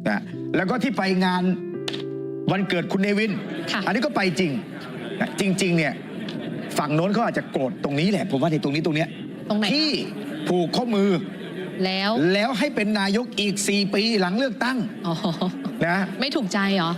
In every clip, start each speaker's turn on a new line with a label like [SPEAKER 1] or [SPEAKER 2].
[SPEAKER 1] นะแล้วก็ที่ไปงานวันเกิดคุณเนวินอันนี้ก็ไปจริงนะจริงๆเนี่ยฝั่งโน้นเขาอาจจะโกรธตรงนี้แหละผมว่าในตรงนี้ตรงเนี้ยที่ผูกข้อมือแล้วให้เป็นนายกอีก4 ปีหลังเลือกตั้งนะ
[SPEAKER 2] ไม่ถูกใจเหรอ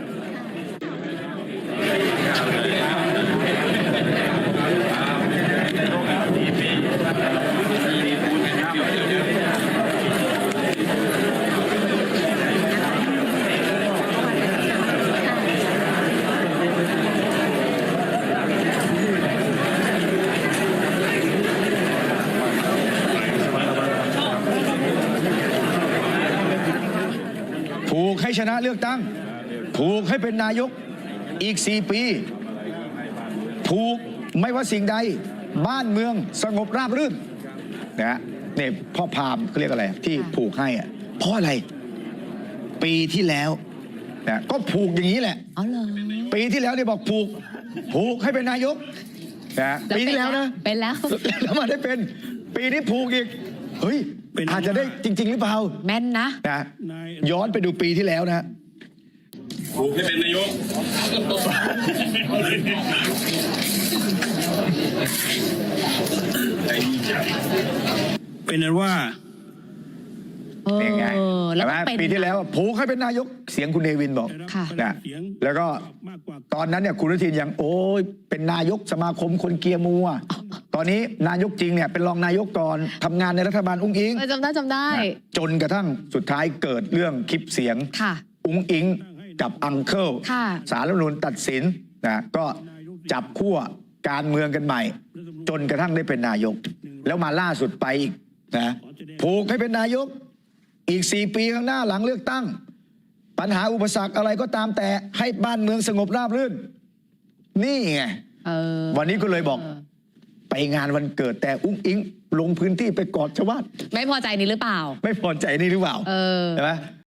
[SPEAKER 1] ผูกให้ชนะเลือกตั้งผูกให้เป็นนายกอีก4 ปีผูกไม่ว่าสิ่งใดบ้านเมืองสงบราบรื่นนะเนี่ยพ่อพามเขาเรียกอะไรที่ผูกให้อะเพราะอะไรปีที่แล้วนะก็ผูกอย่างนี้แหละปีที่แล้วเนี่ยบอกผูกให้เป็นนายกนะปีที่แล้วนะ
[SPEAKER 2] เป็นแล้ว
[SPEAKER 1] มาได้เป็นปีนี้ผูกอีกเฮ้ยอาจจะได้จริงๆหรือเปล่า
[SPEAKER 2] แม่นนะ
[SPEAKER 1] ย้อนไปดูปีที่แล้วนะ
[SPEAKER 3] ผูกให้เป็นนายก
[SPEAKER 4] เป็นนั้นว่า
[SPEAKER 1] เป็นไงแล้วปีที่แล้วผูกให้เป็นนายกเสียงคุณเนวินบอกนะแล้วก็ตอนนั้นเนี่ยคุณอนุทินยังโอ้ยเป็นนายกสมาคมคนเกียร์มัวตอนนี้นายกจริงเนี่ยเป็นรองนายกก่อนทำงานในรัฐบาลอุ้งอิง
[SPEAKER 2] จำได้
[SPEAKER 1] จนกระทั่งสุดท้ายเกิดเรื่องคลิปเสียงอุ้งอิงกับอังเคิลศาลรัฐธรรมนูญตัดสินนะก็จับขั้วการเมืองกันใหม่จนกระทั่งได้เป็นนายกแล้วมาล่าสุดไปอีกนะผูกให้เป็นนายกอีก4 ปีข้างหน้าหลังเลือกตั้งปัญหาอุปสรรคอะไรก็ตามแต่ให้บ้านเมืองสงบราบรื่นนี่ไงวันนี้ก็เลยบอกไปงานวันเกิดแต่อุ้งอิงลงพื้นที่ไปกอดชาวบ้าน
[SPEAKER 2] ไม่พอใจนี่หรือเปล่า
[SPEAKER 1] ไม่พอใจนี่หรือเปล่าใช่ไหม